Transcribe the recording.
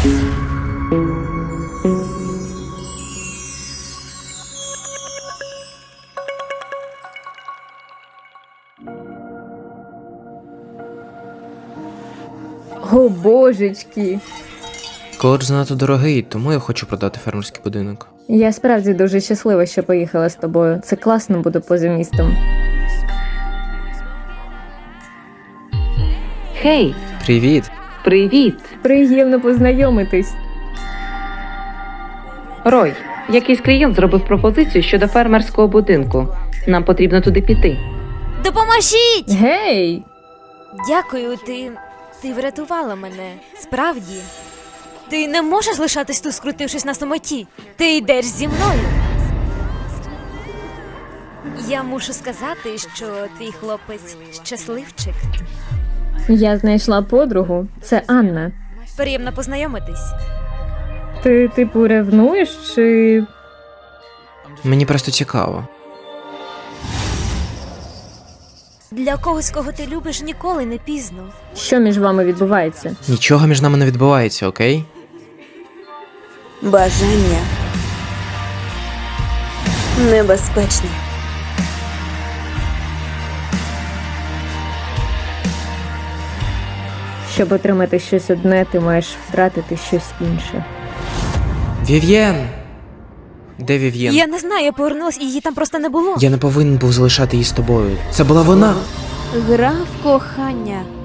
О, божечки! Коледж занадто дорогий, тому я хочу продати фермерський будинок. Я справді дуже щаслива, що поїхала з тобою. Це класно буде поза містом. Хей, Привіт! привіт! Приємно познайомитись. Рой, якийсь клієнт зробив пропозицію щодо фермерського будинку. Нам потрібно туди піти. Допоможіть! Гей! Дякую, ти врятувала мене. Справді. Ти не можеш лишатись тут, скрутившись на самоті. Ти йдеш зі мною. Я мушу сказати, що твій хлопець щасливчик. Я знайшла подругу. Це Анна. Приємно познайомитись. Ти, типу, ревнуєш чи... Мені просто цікаво. Для когось, кого ти любиш, ніколи не пізно. Що між вами відбувається? Нічого між нами не відбувається, окей? Бажання небезпечне. Щоб отримати щось одне, ти маєш втратити щось інше. Вів'єн! Де Вів'єн? Я не знаю, я повернулась і її там просто не було. Я не повинен був залишати її з тобою. Це була вона! Гра в кохання.